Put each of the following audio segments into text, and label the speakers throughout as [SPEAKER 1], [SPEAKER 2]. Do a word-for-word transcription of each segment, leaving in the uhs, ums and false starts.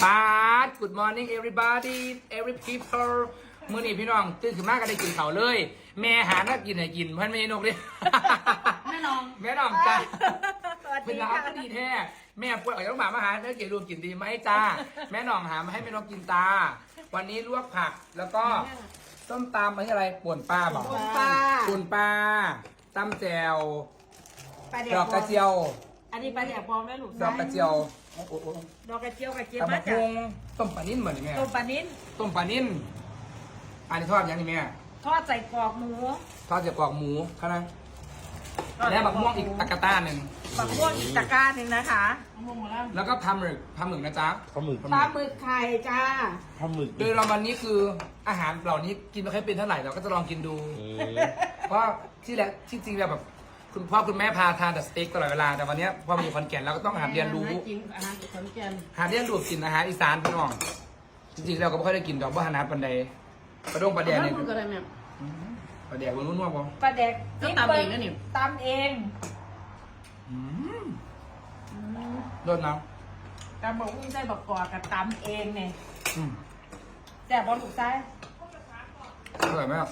[SPEAKER 1] ปาด Good morning everybody every people มื้อนี้พี่น้องตื่นขึ้นมาก็ได้กินข้าวเลย แม่หาน่ากินให้กินเพื่อนไม่นกเลย
[SPEAKER 2] แม่น้อง
[SPEAKER 1] แม่น้องจ้า
[SPEAKER 2] สวัส
[SPEAKER 1] เป็น
[SPEAKER 2] ดี
[SPEAKER 1] ร้าน
[SPEAKER 2] ค่ะ
[SPEAKER 1] ก็ดีแท้แม่ป่วยออกจากโรงพยาบาลมาหาเนื้อเกลือรวมกินดีไหมจ้า แม่น้องหามาให้แม่นกกินตา วันนี้ลวกผักแล้วก็ส้มตำมันอะไรป่วนปลาบอก
[SPEAKER 2] ป่นปลา
[SPEAKER 1] ป่วนปลาตำแจว
[SPEAKER 2] ปลาเดี
[SPEAKER 1] ดอกกระเจียว
[SPEAKER 2] อันนี้ปลาเดียวปลอมแล้วลูก
[SPEAKER 1] ดอกกระเจียวโอ้โห
[SPEAKER 2] ดอกกระเจียวกระเจียว
[SPEAKER 1] ตำ
[SPEAKER 2] มา
[SPEAKER 1] บัก
[SPEAKER 2] จาก
[SPEAKER 1] หุ่งต้มปลานิ่มเหมือนนี่แม่
[SPEAKER 2] ต้มปลานิ้น
[SPEAKER 1] ต้มปลานิ่มอันนี้ทอดยังนี่แม่
[SPEAKER 2] ทอดใส่กรอกหมู
[SPEAKER 1] ทอดจากกรอกหมูเท่านั้นแล้วบักม่วงอีกตะกะต้าหนึ่ง
[SPEAKER 2] บักม่วงอีกตะกร้าหนึ่งนะคะมะม่วงมาแล้ว
[SPEAKER 1] แล้วก็ปลาหมึกปลาหมึกนะจ๊ะ
[SPEAKER 3] ปลาหมึก
[SPEAKER 2] ปลาหมึกไข่จ้า
[SPEAKER 3] ปลาหมึก
[SPEAKER 1] โดยเราวันนี้คืออาหารเหล่านี้กินไม่ค่อยเป็นเท่าไหร่เราก็จะลองกินดู
[SPEAKER 3] อืม
[SPEAKER 1] เพราะที่แหละที่จริงแล้วแบบคุณพ่อคุณแม่พาทานแต่สเต็กตลอดเวลาแต่วันนี้พอมาอยู่ขอนแก่นเราก็ต้องหาเรียนรู้
[SPEAKER 2] กินอาหารขอนแก่น
[SPEAKER 1] หาเรียนรู้กินอาหารอีสานพี่น้องจริงๆเราก็ไม่ค่อยได้กินดอกว่าหานาปันใดปลาดงปลาแดงเนี่ย
[SPEAKER 2] ก็ได้แม่
[SPEAKER 1] ปลาแดงมันนุ่นๆป่ะ
[SPEAKER 2] ปลาแดก
[SPEAKER 4] ก็ตำเองนะนี่
[SPEAKER 2] ตำเอง
[SPEAKER 1] อืมโดนน้
[SPEAKER 2] ตำบอกอุ้งใส่บักกอกกับตำเองเนี่ย
[SPEAKER 1] ำอืม
[SPEAKER 2] แซ่บบอลถูกใจ
[SPEAKER 1] อร่อยมาก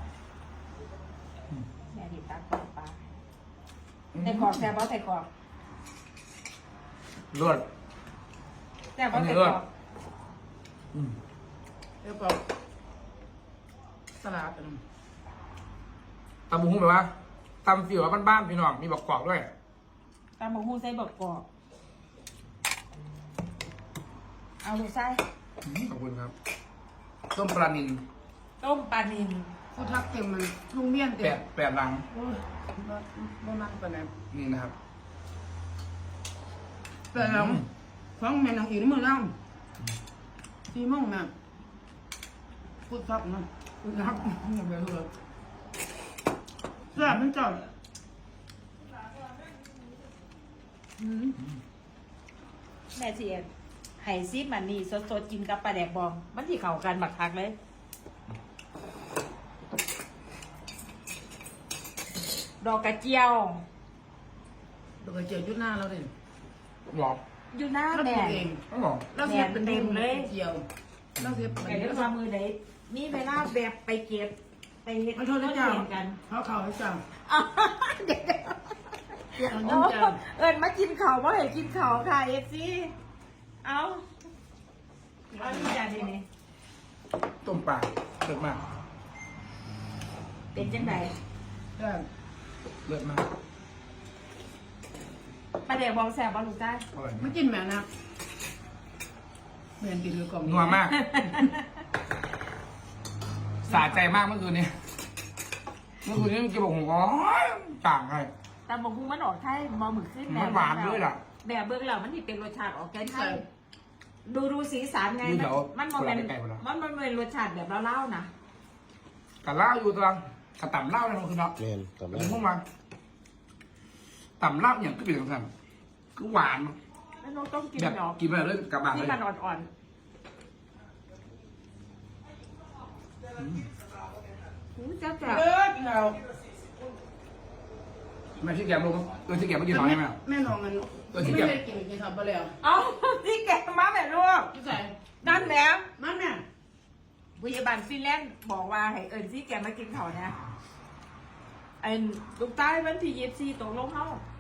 [SPEAKER 2] แม่ดิตำกรอกปลาใส่กรอกแซ่บบอลใส่กรอก
[SPEAKER 1] รวด
[SPEAKER 2] แซ่บบอลใส่กรอก
[SPEAKER 1] อืม
[SPEAKER 4] แล้วก็สลัดอันนั้น
[SPEAKER 1] ตำบุ้งแบบว่าตำฟิวบ้านๆพี่น้องมีบักกอกด้วย
[SPEAKER 2] ตำบอกอุ้งใส่บักกอกเอาลูกไส้
[SPEAKER 1] อืมขอบคุณครับต้มปลานิล
[SPEAKER 2] ต้มปลานิล
[SPEAKER 4] ผู้ทักเต็มมันลุงเมี่ยน
[SPEAKER 1] แป
[SPEAKER 4] เต็
[SPEAKER 1] ด
[SPEAKER 4] ม
[SPEAKER 1] แปดลัง
[SPEAKER 4] โอ้ยบ่บ่มักปานนั้น
[SPEAKER 1] นี่นะครับ
[SPEAKER 4] แต่เราฟังแม่นางอีกมื้อแล้วสี่โมงแม่พูดทักนะพูดทักอย่าไปเถอะแซ่บมันจัดอืม
[SPEAKER 2] แม่เสียไห่ซีมันนี่สดๆกินกับปลาแดกบอง มันที่เข้ากันบักคักเลย ดอกกระเจียว
[SPEAKER 4] ดอกกระเจียวอยู่หน้าเราเลย
[SPEAKER 1] หรอ
[SPEAKER 2] อยู่หน้า
[SPEAKER 4] เราป
[SPEAKER 2] แม่
[SPEAKER 4] ลูกเอง
[SPEAKER 1] อ๋อหรอ
[SPEAKER 4] เราเสียบเป็น
[SPEAKER 2] เต็มเลย
[SPEAKER 4] เจียวเราเสียบเป็น
[SPEAKER 2] แต่เดี๋ยวความมือไหนมีเวลาแบบไปเก็บ ไปเฮ็ด
[SPEAKER 4] มันโทษนะเจ้า
[SPEAKER 2] เรียนกัน
[SPEAKER 4] เขาเขาให้เจ้า
[SPEAKER 2] อ้าวเดี๋ยว
[SPEAKER 4] เดี๋ยว
[SPEAKER 2] โอ้
[SPEAKER 4] น้ำเจ้า
[SPEAKER 2] เอิญมากินเขาวเพราะเห็นกินเขาวค่ะเอฟซีเอาเอานี่จ้าดีนี่
[SPEAKER 1] ต้มปลาเลิศมาก
[SPEAKER 2] เป็นจังได
[SPEAKER 4] แซ่บ
[SPEAKER 1] เลิศมาก
[SPEAKER 2] ปลาแดกบองแซ่บบอลูกจ้า
[SPEAKER 1] อร่อย
[SPEAKER 4] ไม่
[SPEAKER 1] มาก
[SPEAKER 4] กินแม่นะแม่นกินเลยกล่อง
[SPEAKER 1] นัวมากสะใจมากเมื่อคืนนี้เมื่อคืนนี้กินบอกผมอ๋อต่างไง
[SPEAKER 2] แต่บางคุมันออกไทยบอหมึกขึ้น
[SPEAKER 1] มันหวานด้วยล่ะ
[SPEAKER 2] แบบเบิ้งแล้วมันนี่เป็นรสชาติออกแกนไทยดูดูสีสันไง
[SPEAKER 1] ดูเดี๋ยว
[SPEAKER 2] มันมันเป็น
[SPEAKER 1] คนละไกลๆหมดแล้ว
[SPEAKER 2] มันมันเป็นรสชาติแบบเล่าๆนะ
[SPEAKER 1] กะเหล้าอยู่ตรังกะต่ำเหล้าเลยมันคือเนาะ
[SPEAKER 3] แม่นกลับ
[SPEAKER 1] เป็
[SPEAKER 3] มาน
[SPEAKER 1] พวกมันต่ำเหล้าอย่างก็เป็นสำคัญคือหวาน
[SPEAKER 2] แล้วน้องต้องกิน
[SPEAKER 1] แบบ
[SPEAKER 2] ดอก
[SPEAKER 1] กินไปเลยกลับบ้านเล
[SPEAKER 2] ที่
[SPEAKER 1] ย
[SPEAKER 2] มันอ่อนๆอู้จ้าจ้า
[SPEAKER 4] เลิศเรา
[SPEAKER 1] แม่ที่แกมลงเออที่แกมไม่กินหน่อยใช่ไหม
[SPEAKER 4] แม่น้องมัน
[SPEAKER 1] ตัวที่
[SPEAKER 4] ไม่
[SPEAKER 1] เก็บ
[SPEAKER 4] ได้กินกินทำไปแล้ว
[SPEAKER 2] เอาที่แกะมาแบบลูก
[SPEAKER 4] พี่ใส่
[SPEAKER 2] นั่นแล้ว
[SPEAKER 4] มันแม่
[SPEAKER 2] พยาบาลฟินแลนด์บอกว่าให้เอิญที่แกมากินเขาเนี่ยไอ้ลูกใต้วันที่ยี่สิบสี่ตกลงเขา